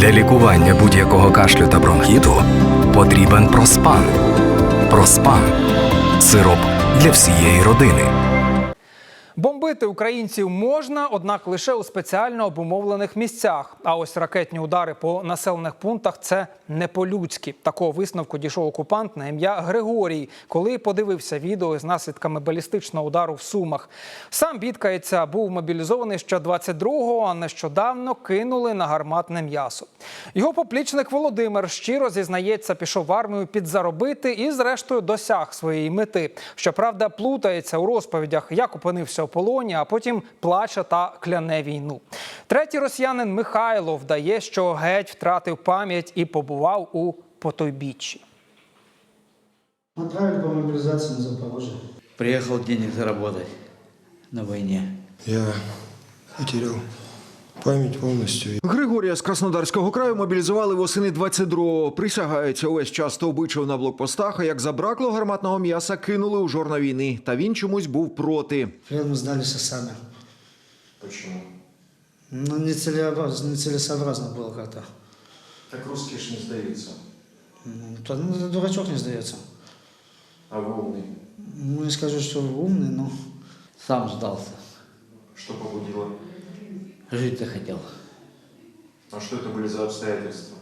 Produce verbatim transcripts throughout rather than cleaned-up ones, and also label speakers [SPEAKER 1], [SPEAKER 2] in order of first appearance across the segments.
[SPEAKER 1] Для лікування будь-якого кашлю та бронхіту потрібен Проспан. Проспан – сироп для всієї родини.
[SPEAKER 2] Бомбити українців можна, однак лише у спеціально обумовлених місцях. А ось ракетні удари по населених пунктах – це не по-людськи. Такого висновку дійшов окупант на ім'я Григорій, коли подивився відео з наслідками балістичного удару в Сумах. Сам бідкається, був мобілізований ще двадцять другого, а нещодавно кинули на гарматне м'ясо. Його поплічник Володимир щиро зізнається, пішов в армію підзаробити і зрештою досяг своєї мети. Щоправда, плутається у розповідях, як опинився у полоні, а потім плаче та кляне війну. Третій росіянин Михайло вдає, що геть втратив пам'ять і побував у потойбіччі.
[SPEAKER 3] Отправили по мобилизации на Запорожье.
[SPEAKER 4] Приехал денег заработать на войне.
[SPEAKER 5] Я потерял память повністю.
[SPEAKER 6] Григорія з Краснодарського краю мобілізували восени двадцять другого. Присягається, увесь час то обичав на блокпостах, а як забракло гарматного м'яса, кинули у жорна війни. Та він чомусь був проти.
[SPEAKER 3] Плен мы сдались сами.
[SPEAKER 7] Почему?
[SPEAKER 3] Ну, нецелесообразно, нецелесообразно было как-то.
[SPEAKER 7] Так русские ж не сдаются.
[SPEAKER 3] Ну, то, ну, дурачок не сдается.
[SPEAKER 7] А вы умный.
[SPEAKER 3] Ну, не скажу, что умный, но...
[SPEAKER 4] Сам сдался.
[SPEAKER 7] Что побудило?
[SPEAKER 4] Жить захотел.
[SPEAKER 7] А что это были за обстоятельства?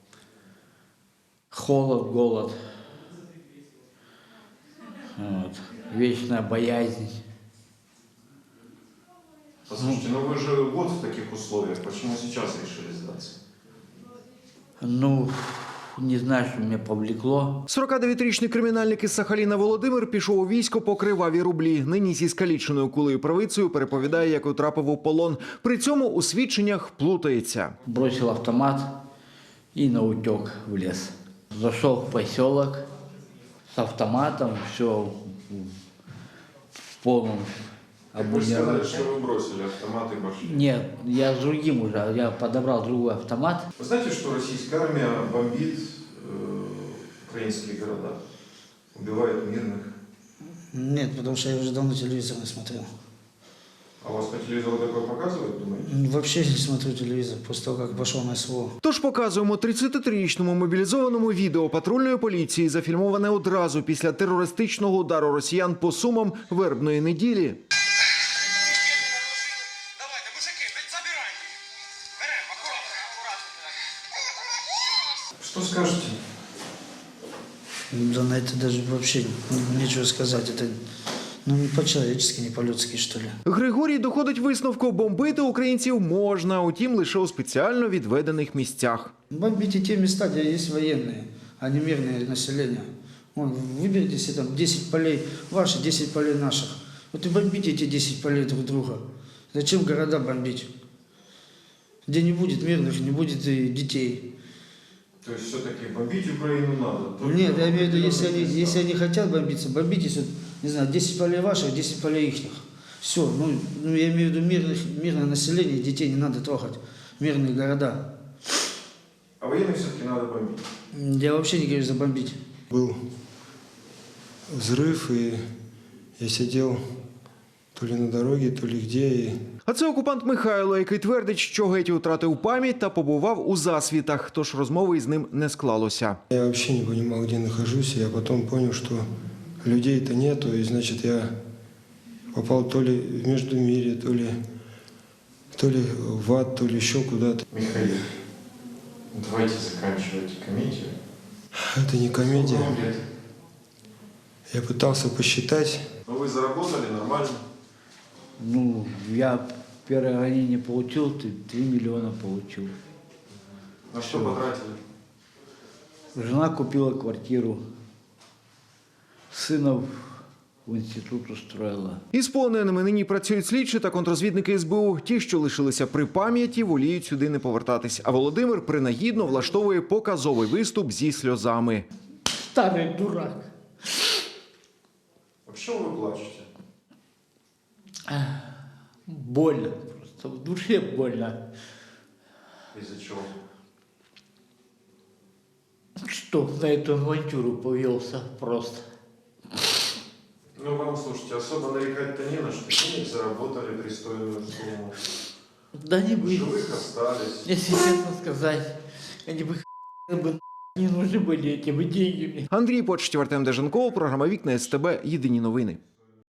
[SPEAKER 4] Холод, голод. Вот. Вечная боязнь.
[SPEAKER 7] Послушайте, ну вы же год в таких условиях. Почему сейчас решили сдаться?
[SPEAKER 4] Ну, не знаю, что меня повлекло.
[SPEAKER 6] сорокадев'ятирічний кримінальник із Сахаліна Володимир пішов у військо по криваві рублі. Нині зі скаліченою кулею правицею переповідає, як утрапив у полон. При цьому у свідченнях плутається.
[SPEAKER 4] Бросил автомат и наутек в лес. Зашел в поселок с автоматом, все в полном
[SPEAKER 7] Вы же сказали,
[SPEAKER 4] обмундировании.
[SPEAKER 7] что вы бросили автомат и пошли.
[SPEAKER 4] Нет, я с другим уже, я подобрал другой автомат.
[SPEAKER 7] Вы знаете, что российская армия бомбит э, украинские города? Убивает мирных?
[SPEAKER 3] Нет, потому что я уже давно телевизор не смотрел.
[SPEAKER 7] А у вас по телевизору такое показывают, думаете?
[SPEAKER 3] Вообще не смотрю телевизор после того, как пошел на СВО.
[SPEAKER 6] Тож показуємо тридцятитрирічному мобілізованому відео патрульної поліції, зафільмоване одразу після терористичного удару росіян по Сумам вербної неділі.
[SPEAKER 8] Давайте, мужики, забирайте. Берем, аккуратно, аккуратно.
[SPEAKER 7] Что скажете?
[SPEAKER 3] Да на это даже вообще нечего сказать. Это ну, не по-человечески, не по-людски, что ли.
[SPEAKER 6] Григорій доходить висновку: бомбити українців можна, утім лише у спеціально відведених місцях.
[SPEAKER 3] Бомбите те места, где есть военные, а не мирное население. Вон, выберите себе там десять полей ваши, десять полей наших. Вот и бомбите эти десять полей друг друга. Зачем города бомбить? Где не будет мирных, не будет и детей.
[SPEAKER 7] То есть все-таки бомбить Украину надо? Только
[SPEAKER 3] Нет, я имею в виду, если они,
[SPEAKER 7] места.
[SPEAKER 3] если они хотят бомбиться, бомбитесь, вот, не знаю, десять полей ваших, десять полей ихних. Все, ну, ну я имею в виду мирных, мирное население, детей не надо трогать, мирные города.
[SPEAKER 7] А военных все-таки надо бомбить?
[SPEAKER 3] Я вообще не говорю за бомбить.
[SPEAKER 5] Был взрыв, и я сидел то ли на дороге, то ли где, и
[SPEAKER 6] А це окупант Михайло, який твердить, що геть втратив пам'ять та побував у засвітах, тож розмови із ним не склалося.
[SPEAKER 5] я вообще не понимал, где нахожусь. Я потом понял, что людей-то нету, и значит я попал то ли в Междумирье, то ли, то ли в ад, то ли еще куда-то.
[SPEAKER 7] Михаил, давайте заканчивать комедию.
[SPEAKER 5] Это не комедия.
[SPEAKER 7] Сколько вам лет?
[SPEAKER 5] Я пытался посчитать.
[SPEAKER 7] Ну вы заработали нормально.
[SPEAKER 4] Ну, я первое ранение получил, три миллиона получил.
[SPEAKER 7] На что потратили?
[SPEAKER 4] Жена купила квартиру, сына в институт устроила.
[SPEAKER 6] Із полоненими нині працюють слідчі та контрозвідники ес бе у. Ті, що лишилися при пам'яті, воліють сюди не повертатись. А Володимир принагідно влаштовує показовий виступ зі сльозами.
[SPEAKER 4] Старый дурак.
[SPEAKER 7] А почему вы плачете?
[SPEAKER 4] Больно просто, в душе больно.
[SPEAKER 7] Из-за чего?
[SPEAKER 4] Что на эту авантюру повелся просто.
[SPEAKER 7] Ну вам, слушайте, особо нарекать-то не на что. Денег заработали пристойную сумму.
[SPEAKER 4] Да не
[SPEAKER 7] В
[SPEAKER 4] вы.
[SPEAKER 7] живых остались.
[SPEAKER 4] Если честно сказать, Они бы бы не нужны были эти бы деньги мне.
[SPEAKER 6] Андрій Почтів, Артем Деженков, програма «Вікна СТБ», єдині новини.